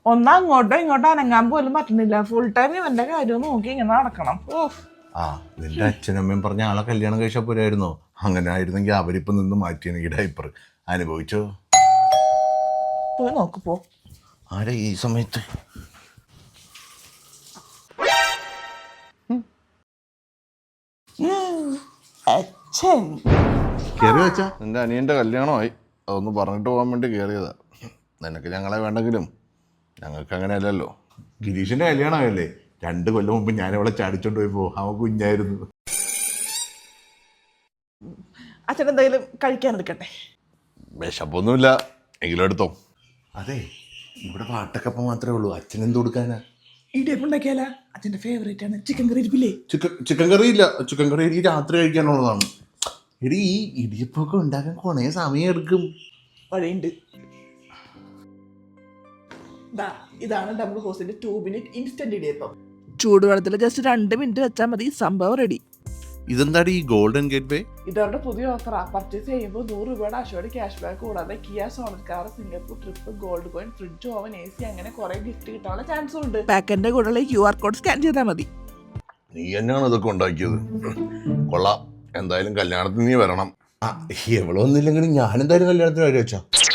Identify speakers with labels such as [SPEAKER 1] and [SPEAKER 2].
[SPEAKER 1] ഒന്ന് അങ്ങോട്ടോ ഇങ്ങോട്ടോ അനങ്ങാൻ പോലും പറ്റുന്നില്ല. ഫുൾ ടൈം ഇവന്റെ കാര്യം നോക്കി ഇങ്ങനെ നടക്കണം.
[SPEAKER 2] ആ നിന്റെ അച്ഛനമ്മയും പറഞ്ഞ ആളെ കല്യാണം കഴിച്ചാൽ പോരായിരുന്നോ? അങ്ങനെ ആയിരുന്നെങ്കിൽ അവരിപ്പം നിന്ന് മാറ്റിയാണ് ഈ ഡയപ്പർ. അനുഭവിച്ചോ?
[SPEAKER 1] പോയി നോക്ക് പോ.
[SPEAKER 2] ആരാ ഈ സമയത്ത്?
[SPEAKER 1] അച്ഛൻ
[SPEAKER 2] കയറി വെച്ചാ നിന്റെ അനിയന്റെ കല്യാണമായി, അതൊന്ന് പറഞ്ഞിട്ട് പോകാൻ വേണ്ടി കയറിയതാ. നിനക്ക് ഞങ്ങളെ വേണ്ടെങ്കിലും ഞങ്ങൾക്ക് അങ്ങനെയല്ലല്ലോ. ഗിരീഷിന്റെ കല്യാണമായല്ലേ, 2 കൊല്ലം മുമ്പ് ഞാൻ അവളെ ചാടിച്ചോണ്ട് പോയപ്പോ അവൻ കുഞ്ഞായിരുന്നു.
[SPEAKER 1] അച്ഛൻ എന്തെങ്കിലും കഴിക്കാൻ എടുക്കട്ടെ?
[SPEAKER 2] വിശപ്പൊന്നുമില്ല, എങ്കിലും എടുത്തോ. അതെ, ഇവിടെ വാട്ടക്കപ്പം മാത്രമേ ഉള്ളൂ, അച്ഛൻ എന്ത് കൊടുക്കാനാ?
[SPEAKER 1] ഇടിയപ്പം ഉണ്ടാക്കിയാല അച്ഛന്റെ ഫേവറേറ്റ് ആണ്. ചിക്കൻ കറി ഇരിപ്പില്ലേ?
[SPEAKER 2] ചിക്കൻ കറി ഇല്ല. ചിക്കൻ കറി എനിക്ക് രാത്രി കഴിക്കാനുള്ളതാണ്. എടി ഈ ഇടിയപ്പൊക്കെ ഉണ്ടാക്കാൻ കുറേ സമയം എടുക്കും.
[SPEAKER 1] വഴിയുണ്ട്. ഇതാണ് ഡബിൾ ഹോസിന്റെ 2 മിനിറ്റ് ഇൻസ്റ്റന്റ് ഇടിയപ്പം. ചൂടുവെള്ളത്തിൽ ജസ്റ്റ് 2 മിനിറ്റ് വെച്ചാൽ മതി, സംഭവം റെഡി.
[SPEAKER 2] ഇതെന്താടി ഈ ഗോൾഡൻ ഗേറ്റ് വേ?
[SPEAKER 1] ഇതവരുടെ പുതിയ ഓഫറാ. പർച്ചേസ് ചെയ്യുമ്പോൾ 100 രൂപയുടെ അശോയുടെ ക്യാഷ് ബാക്ക് കൂടാതെ Kia Sonet car, Singapore trip, gold coin, fridge, oven, AC അങ്ങനെ കുറെ ഗിഫ്റ്റ് കിട്ടാനുള്ള ചാൻസും ഉണ്ട്. പാക്കറ്റിന്റെ കൂടെ QR കോഡ് സ്കാൻ ചെയ്താൽ മതി.
[SPEAKER 2] നീ തന്നെയാണ് ഇതൊക്കെ ഉണ്ടാക്കിയത്. കൊള്ളാം, എന്തായാലും കല്യാണത്തിന് നീ വരണം. എവളൊന്നില്ലെങ്കിലും ഞാൻ എന്തായാലും കല്യാണത്തിന് വരും വെച്ചാ.